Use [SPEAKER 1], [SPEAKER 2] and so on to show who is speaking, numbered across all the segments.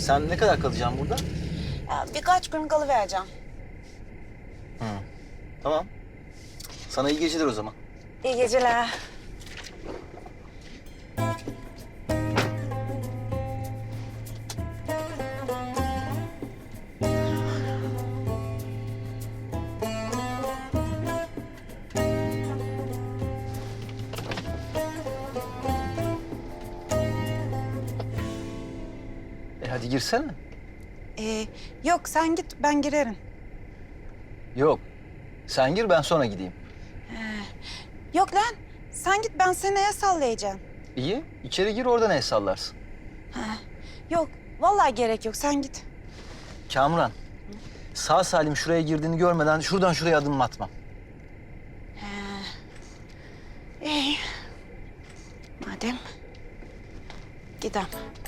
[SPEAKER 1] Sen ne kadar kalacaksın burada?
[SPEAKER 2] Ya, birkaç gün kalıvereceğim.
[SPEAKER 1] Tamam. Sana iyi geceler o zaman.
[SPEAKER 2] İyi geceler.
[SPEAKER 1] Hadi girsene.
[SPEAKER 2] Yok sen git ben girerim.
[SPEAKER 1] Yok. Sen gir ben sonra gideyim.
[SPEAKER 2] Yok lan sen git ben seni neye sallayacağım.
[SPEAKER 1] İyi. İçeri gir oradan el sallarsın.
[SPEAKER 2] Yok vallahi gerek yok sen git.
[SPEAKER 1] Kamuran. Sağ salim şuraya girdiğini görmeden şuradan şuraya adım atmam.
[SPEAKER 2] İyi. Madem gidem.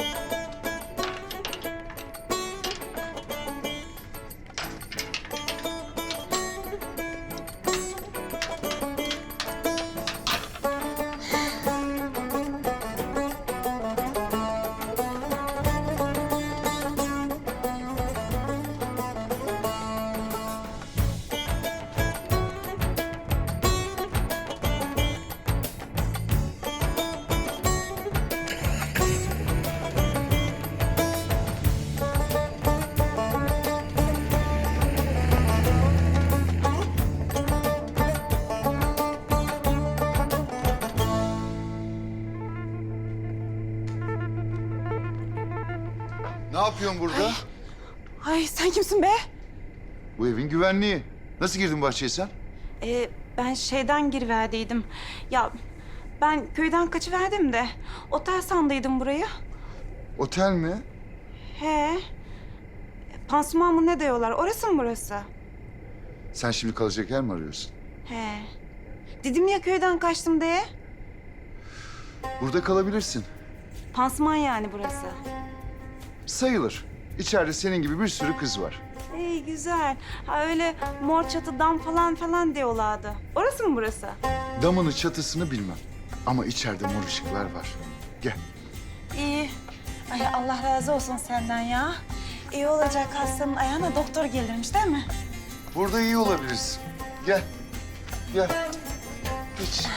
[SPEAKER 3] Ne yapıyorsun burada?
[SPEAKER 2] Ay sen kimsin be?
[SPEAKER 3] Bu evin güvenliği. Nasıl girdin bahçeye sen?
[SPEAKER 2] Ben şeyden giriverdiydim. Ya ben köyden kaçıverdim de otel sandıydım burayı.
[SPEAKER 3] Otel mi?
[SPEAKER 2] He. Pansuman mı ne diyorlar? Orası mı burası?
[SPEAKER 3] Sen şimdi kalacak yer mi arıyorsun?
[SPEAKER 2] He. Dedim ya köyden kaçtım diye.
[SPEAKER 3] Burada kalabilirsin.
[SPEAKER 2] Pansuman yani burası.
[SPEAKER 3] Sayılır. İçeride senin gibi bir sürü kız var.
[SPEAKER 2] İyi güzel. Ha öyle mor çatı dam falan diyorlardı. Orası mı burası?
[SPEAKER 3] Damını çatısını bilmem. Ama içeride mor ışıklar var. Gel.
[SPEAKER 2] İyi. Ay Allah razı olsun senden ya. İyi olacak hastanın ayağına doktor gelirmiş değil mi?
[SPEAKER 3] Burada iyi olabilirsin. Gel. Gel. Geç.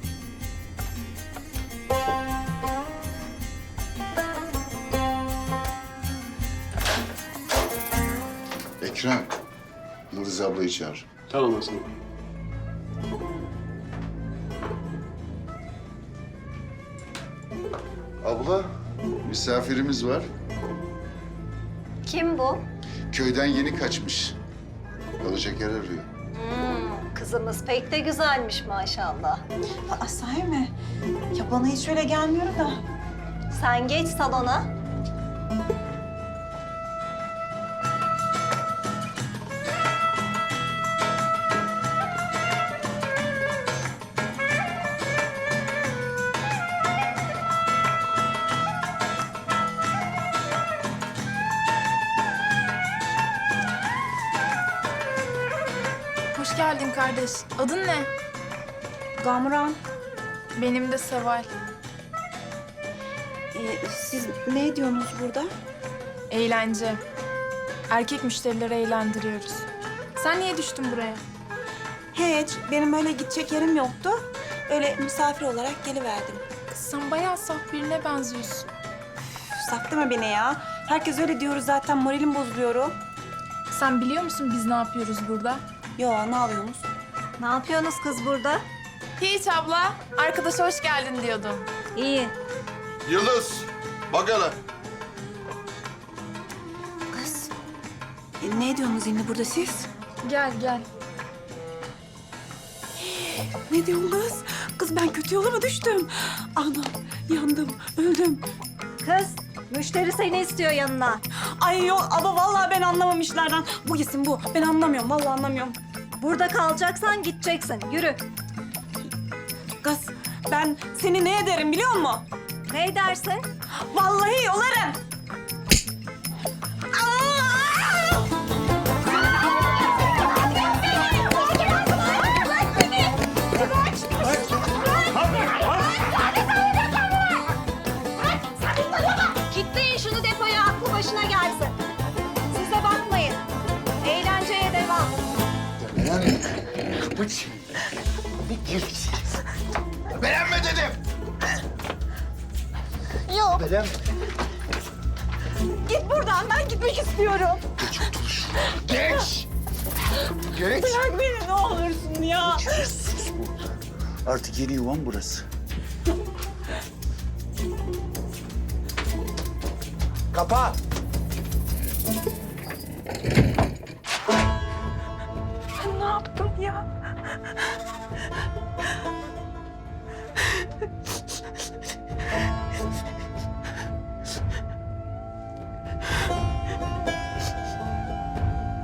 [SPEAKER 3] Ekrem. Yıldız ablayı çağır.
[SPEAKER 4] Tamam Hasan.
[SPEAKER 3] Abla, misafirimiz var.
[SPEAKER 5] Kim bu?
[SPEAKER 3] Köyden yeni kaçmış. Kalacak yer arıyor.
[SPEAKER 5] Kızımız pek de güzelmiş maşallah.
[SPEAKER 2] Aa, sahi mi? Ya bana hiç öyle gelmiyor da.
[SPEAKER 5] Sen geç salona.
[SPEAKER 6] Hoş geldin kardeş. Adın ne?
[SPEAKER 2] Gamuran,
[SPEAKER 6] Benim de Seval.
[SPEAKER 2] siz ne ediyorsunuz burada?
[SPEAKER 6] Eğlence. Erkek müşterileri eğlendiriyoruz. Sen niye düştün buraya?
[SPEAKER 2] Hiç, benim öyle gidecek yerim yoktu. Öyle misafir olarak geliverdim.
[SPEAKER 6] Kız sen bayağı saf birine benziyorsun.
[SPEAKER 2] Saklama beni ya. Herkes öyle diyoruz zaten, moralim bozuluyor.
[SPEAKER 6] Sen biliyor musun biz ne yapıyoruz burada?
[SPEAKER 2] Yo, ne yapıyorsunuz?
[SPEAKER 5] Ne yapıyorsunuz kız burada?
[SPEAKER 6] Hiç abla. Arkadaşa hoş geldin diyordum.
[SPEAKER 5] İyi.
[SPEAKER 4] Yıldız, bak hele.
[SPEAKER 2] Kız, ne ediyorsunuz yine burada siz?
[SPEAKER 6] Gel gel.
[SPEAKER 2] Ne diyorsunuz? Kız ben kötü yola mı düştüm? Anam, yandım, öldüm.
[SPEAKER 5] Kız, müşteri seni istiyor yanına.
[SPEAKER 2] Ay yok ama vallahi ben anlamam işlerden. Bu gitsin bu. Ben anlamıyorum, vallahi anlamıyorum.
[SPEAKER 5] Burada kalacaksan gideceksin. Yürü.
[SPEAKER 2] Kız ben seni ne ederim biliyor musun?
[SPEAKER 5] Ne dersin?
[SPEAKER 2] Vallahi yolarım.
[SPEAKER 5] Kilitleyin şunu depoya. başına gelsin. Size bakmayın. Eğlenceye devam.
[SPEAKER 3] Debelen kapı şimdi. Bir gir. Debelenme dedim.
[SPEAKER 5] Yok.
[SPEAKER 3] Debelen.
[SPEAKER 2] Git buradan, ben gitmek istiyorum.
[SPEAKER 3] Geç otur şuraya. Geç. Geç.
[SPEAKER 2] Bırak beni ne olursun ya.
[SPEAKER 3] Sus burada. Artık yeni yuvan burası. Kapa.
[SPEAKER 2] Ne yaptım ya?